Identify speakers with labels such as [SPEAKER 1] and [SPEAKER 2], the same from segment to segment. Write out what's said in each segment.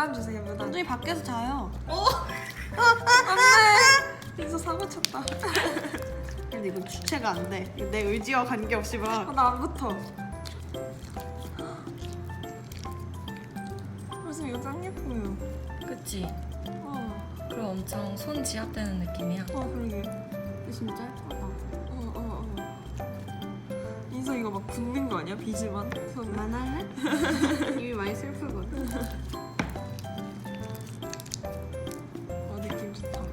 [SPEAKER 1] 무단 주세요, 무단.
[SPEAKER 2] 완전히 밖에서 자요.
[SPEAKER 1] 안돼. 인서 사고 쳤다.
[SPEAKER 2] 근데 이건 주체가 안 돼. 이거 내 의지와 관계없이 막.
[SPEAKER 1] 나 안 붙어. 무슨 이거 짱 예뻐요.
[SPEAKER 3] 그치?
[SPEAKER 1] 어,
[SPEAKER 3] 그리고 엄청 손 지압되는 느낌이야.
[SPEAKER 1] 그러게.
[SPEAKER 2] 진짜 예쁘다.
[SPEAKER 1] 인서 이거 막 붓는 거 아니야? 비즈만. 손.
[SPEAKER 2] 그만할래? 이미 많이 슬프거든.
[SPEAKER 1] 느낌 좋다.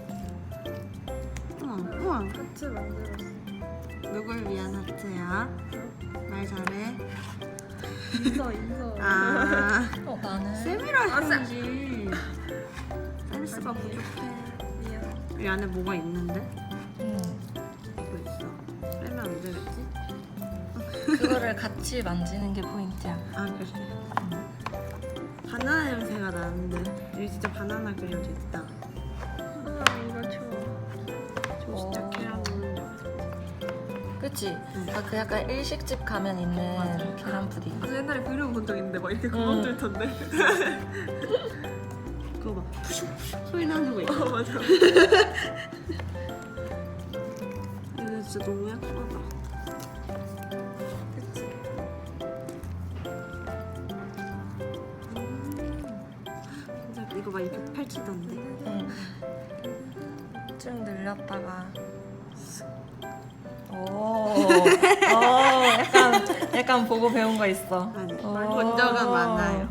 [SPEAKER 2] 우와.
[SPEAKER 1] 하트 만들었어.
[SPEAKER 2] 누굴 위한 하트야? 말 잘해.
[SPEAKER 1] 인서.
[SPEAKER 2] 아,
[SPEAKER 3] 나는
[SPEAKER 2] 쌤이라 해야지. 센스가 부족해.
[SPEAKER 1] 미안.
[SPEAKER 2] 이 안에 뭐가 있는데?
[SPEAKER 3] 응.
[SPEAKER 2] 이거 있어. 빼면 안 되겠지?
[SPEAKER 3] 그거를 같이 만지는 게 포인트야.
[SPEAKER 2] 아, 그래. 바나나 냄새가 나는데. 여기 진짜 바나나 그려져 있다.
[SPEAKER 1] 이거 좋아.
[SPEAKER 2] 저 진짜 계란 먹는 줄 알았어.
[SPEAKER 3] 그치? 그 약간 일식집 가면 있는 계란 푸딩.
[SPEAKER 1] 그 옛날에 브이로그 본 적 있는데 막 이렇게 구멍 뚫 텐데.
[SPEAKER 2] 그거 막 푸슉푸슉 소리 나는 거 있어.
[SPEAKER 1] 맞아.
[SPEAKER 2] 이거 진짜 너무 예쁘다.
[SPEAKER 1] 그치.
[SPEAKER 2] 진짜 이거 막 이렇게 펼치던데.
[SPEAKER 3] 응. 쭉 늘렸다가. 오, 약간 보고 배운 거 있어.
[SPEAKER 2] 아니,
[SPEAKER 3] 오.
[SPEAKER 2] 본 적은 많아요.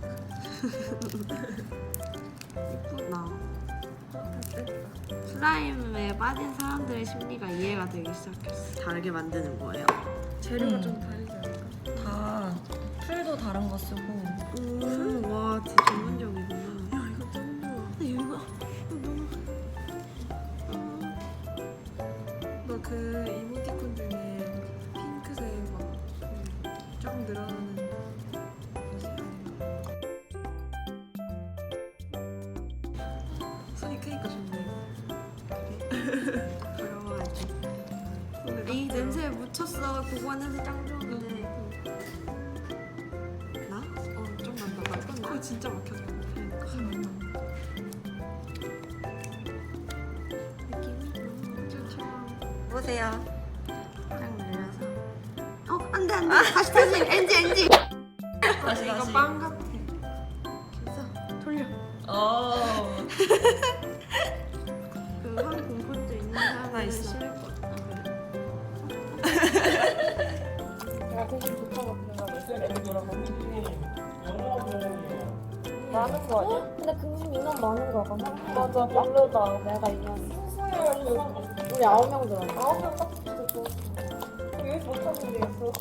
[SPEAKER 2] 예쁘다. 슬라임에 빠진 사람들의 심리가 이해가 되기 시작했어. 다르게 만드는 거예요.
[SPEAKER 1] 재료가 좀 다르지 않을까?
[SPEAKER 3] 다 풀도 다른 거 쓰고.
[SPEAKER 2] 와, 진짜 전문적이구나.
[SPEAKER 1] 야, 이거 짱 좋아.
[SPEAKER 2] 이거 너무.
[SPEAKER 1] 나 그 이모티콘 중에 핑크색 막쫙 늘어나는 뭐지? 손이 크니까 좋네.
[SPEAKER 2] 더러워가지고.
[SPEAKER 1] 근데
[SPEAKER 2] 이 냄새에 묻혔어. 고구마 냄새 짱 좋은데. 나?
[SPEAKER 1] 좀 난다. 나 코 진짜 막혀서.
[SPEAKER 2] 느낌이 너무 좋아.
[SPEAKER 3] 보세요.
[SPEAKER 2] 딱 늘려서. 안돼 안돼. 다시 엔지.
[SPEAKER 3] 다시
[SPEAKER 1] 이거
[SPEAKER 3] 다시.
[SPEAKER 1] 빵 같아.
[SPEAKER 2] 그래서 돌려.
[SPEAKER 3] 오.
[SPEAKER 2] 그한 공포증 있는 사람은
[SPEAKER 1] 있어.
[SPEAKER 2] 싫을 것 같아.
[SPEAKER 4] 내가 되게 좋다고 많은 거 아니야? 근데 금심 인원 많은 거 같아. 맞아, 별로다. 내가 인원. 우리 9명 들었어. 9명 딱 진짜 좋았어. 왜 못하는 게 있어?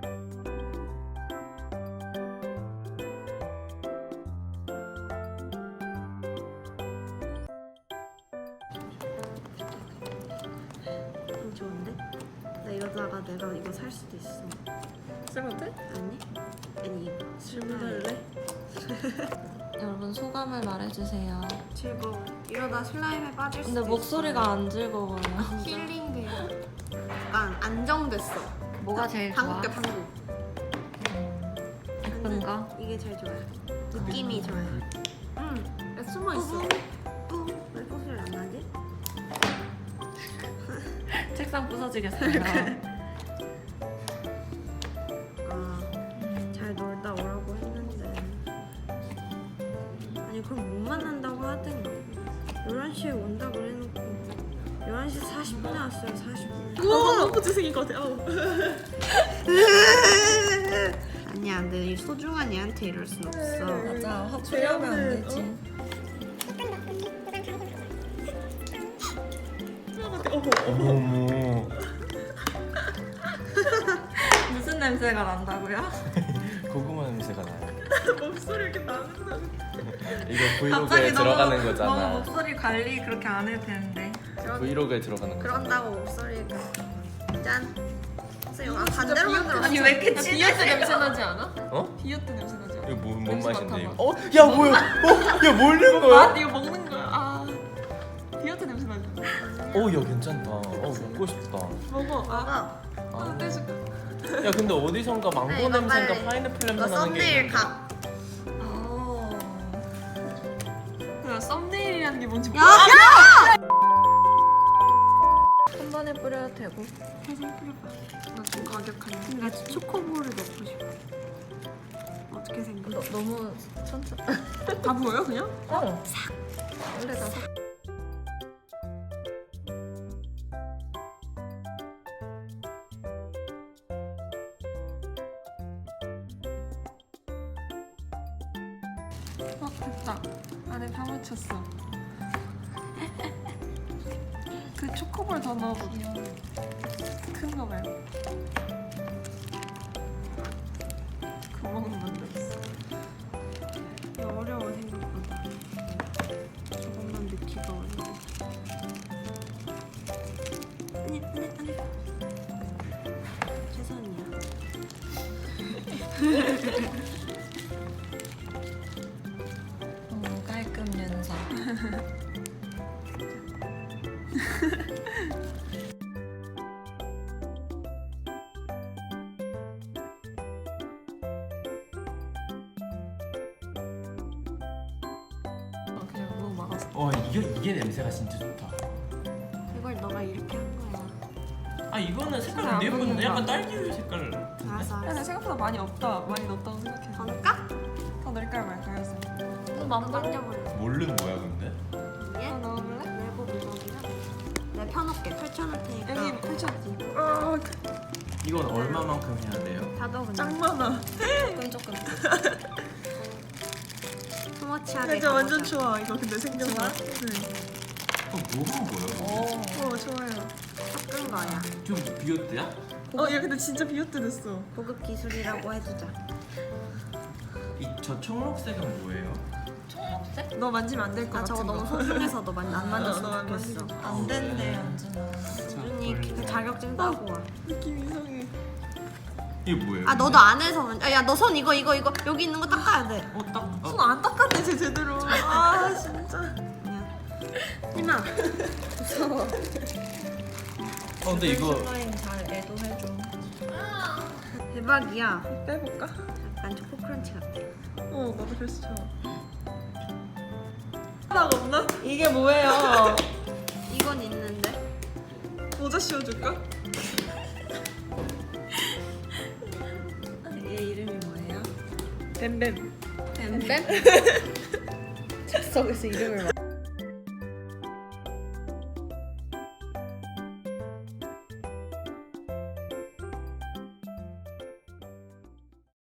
[SPEAKER 2] 좋은데? 나 이러다가 내가 이거 살 수도 있어.
[SPEAKER 1] 쓰면 돼?
[SPEAKER 2] 아니 이거.
[SPEAKER 1] 질문 할래?
[SPEAKER 3] 여러분 소감을 말해주세요.
[SPEAKER 2] 즐거워. 이러다 슬라임에 빠질 수도
[SPEAKER 3] 근데 목소리가 안 즐거워요.
[SPEAKER 2] 있어. 힐링돼. 약간 안정됐어.
[SPEAKER 3] 뭐가 제일 좋아?
[SPEAKER 2] 방구 껴 방구.
[SPEAKER 3] 예쁜 거?
[SPEAKER 2] 이게 제일 좋아요. 느낌이 좋아요.
[SPEAKER 1] 야, 숨어 있어.
[SPEAKER 2] 왜 소리를 안 나지?
[SPEAKER 3] 책상 부서지겠어요.
[SPEAKER 2] 잘 놀다 오라고 했는데. 아니 그럼 못 만난다고 하든가. 11시에 온다고 해놓고 11시 40분에 왔어요. 40분.
[SPEAKER 1] 우와, 너무 재생인 것 같아.
[SPEAKER 2] 아니야, 내 소중한 얘한테 이럴 순 없어.
[SPEAKER 3] 맞아, 화풀이하면 안 되지.
[SPEAKER 5] 어머
[SPEAKER 3] 무슨 냄새가 난다고요?
[SPEAKER 5] 고구마 냄새가 나요.
[SPEAKER 1] 목소리 이렇게 나는데.
[SPEAKER 5] 이거 브이로그에 들어가는
[SPEAKER 3] 너무
[SPEAKER 5] 거잖아.
[SPEAKER 3] 목소리 관리 그렇게 안 해도 되는데.
[SPEAKER 5] 브이로그에 들어가는 거잖아.
[SPEAKER 2] 그런다고 목소리가 짠. 선생님, 반대로 만들어.
[SPEAKER 3] 아니 왜 이렇게
[SPEAKER 1] 비오트 냄새 나지 않아?
[SPEAKER 5] 어?
[SPEAKER 1] 비오트 냄새 나지 않아?
[SPEAKER 5] 이거 뭔
[SPEAKER 1] 냄새
[SPEAKER 5] 맛인데
[SPEAKER 1] 맡아봐.
[SPEAKER 5] 이거? 어? 야 뭐야? 야 먹는 거야?
[SPEAKER 1] 이거 먹는 거야. 비오트 냄새 나지 않아?
[SPEAKER 5] 야 괜찮다. 먹고 싶다.
[SPEAKER 1] 먹어.
[SPEAKER 2] 먹어.
[SPEAKER 1] 떼줄게.
[SPEAKER 5] 야 근데 어디선가 망고
[SPEAKER 2] 이거
[SPEAKER 5] 냄새인가
[SPEAKER 2] 빨리.
[SPEAKER 5] 파인애플
[SPEAKER 2] 이거
[SPEAKER 5] 냄새 나는 게
[SPEAKER 2] 썸네일
[SPEAKER 5] 있는데.
[SPEAKER 2] 각.
[SPEAKER 1] 썸네일이라는 게 뭔지
[SPEAKER 2] 야!
[SPEAKER 1] 몰라.
[SPEAKER 3] 한 번에 뿌려도 되고.
[SPEAKER 2] 살살 뿌려봐. 나 좀 과격하네. 근데 나 초코볼을 넣고 싶어. 어떻게 생각해?
[SPEAKER 3] 너무 천천히.
[SPEAKER 1] 다 보여 그냥?
[SPEAKER 3] 어. 원래 다
[SPEAKER 1] 됐다. 안에 다 맞췄어. 그 초코볼 더 넣어볼게요. 큰 거 말고. 구멍 만들었어.
[SPEAKER 2] 이거 어려워 생각보다. 저것만 넣기가 어려워. 아니. 최선이야.
[SPEAKER 3] 깔끔 윤서.
[SPEAKER 1] 그냥 너무 많았어.
[SPEAKER 5] 이게 냄새가 진짜 좋다.
[SPEAKER 2] 이걸 너가 이렇게 한 거야.
[SPEAKER 5] 아 이거는 색깔
[SPEAKER 1] 안
[SPEAKER 5] 안 예쁜데
[SPEAKER 1] 보인다.
[SPEAKER 5] 약간 딸기 색깔 같은데?
[SPEAKER 2] 알았어.
[SPEAKER 1] 근데 생각보다 많이 없다. 많이 넣었다고 생각해.
[SPEAKER 2] 더 넣을까?
[SPEAKER 1] 더 넣을까요 말까요? 해서.
[SPEAKER 3] 또 만들어.
[SPEAKER 2] 만져볼래.
[SPEAKER 5] 모르는 거야 근데?
[SPEAKER 1] 더
[SPEAKER 2] 위에
[SPEAKER 1] 넣어볼래?
[SPEAKER 2] 내부 물건이랑 내가 펴놓게 펼쳐놓을 테니까.
[SPEAKER 1] 여기 펼쳤지.
[SPEAKER 5] 이건 얼마만큼 해야 돼요?
[SPEAKER 2] 다 넣어 그냥.
[SPEAKER 1] 짱 많아.
[SPEAKER 3] 조금.
[SPEAKER 2] 스머치하게.
[SPEAKER 1] 진짜 완전
[SPEAKER 2] 가보자.
[SPEAKER 1] 좋아. 이거 근데 생겨서. 네.
[SPEAKER 5] 뭐한 거야?
[SPEAKER 1] 좋아요.
[SPEAKER 2] 섞은 거야.
[SPEAKER 5] 좀 비오트야?
[SPEAKER 1] 야 근데 진짜 비오트 됐어.
[SPEAKER 2] 고급 기술이라고 해주자.
[SPEAKER 5] 저 청록색은 뭐예요?
[SPEAKER 3] 청록색?
[SPEAKER 1] 너 만지면 안 될 것
[SPEAKER 2] 나
[SPEAKER 1] 같은
[SPEAKER 2] 저거
[SPEAKER 1] 거.
[SPEAKER 2] 너무 소중해서 너 안
[SPEAKER 1] 너
[SPEAKER 2] 만졌으면
[SPEAKER 1] 안
[SPEAKER 2] 좋겠어.
[SPEAKER 1] 만지면
[SPEAKER 3] 안 된대 연준아.
[SPEAKER 2] 준이 그 자격증 따고 와.
[SPEAKER 1] 느낌 이상해.
[SPEAKER 5] 이게 뭐예요?
[SPEAKER 2] 아 너도 안 해서 야 너 손 이거 여기 있는 거 닦아야 돼.
[SPEAKER 1] 손 안 닦았네 쟤 제대로. 아 진짜.
[SPEAKER 2] 아니야. 하지마. 무서워.
[SPEAKER 5] 근데 이거
[SPEAKER 3] 슬라임 잘 애도해줘.
[SPEAKER 2] 대박이야.
[SPEAKER 1] 빼볼까?
[SPEAKER 2] 약간 초코 크런치 같아.
[SPEAKER 1] 나도 그래서 좋아. 하나가 없나? 이게 뭐예요?
[SPEAKER 2] 이건 있는데.
[SPEAKER 1] 모자 씌워줄까?
[SPEAKER 2] 얘 이름이 뭐예요?
[SPEAKER 1] 뱀뱀.
[SPEAKER 2] 뱀뱀? 즉석에서 이름을 막.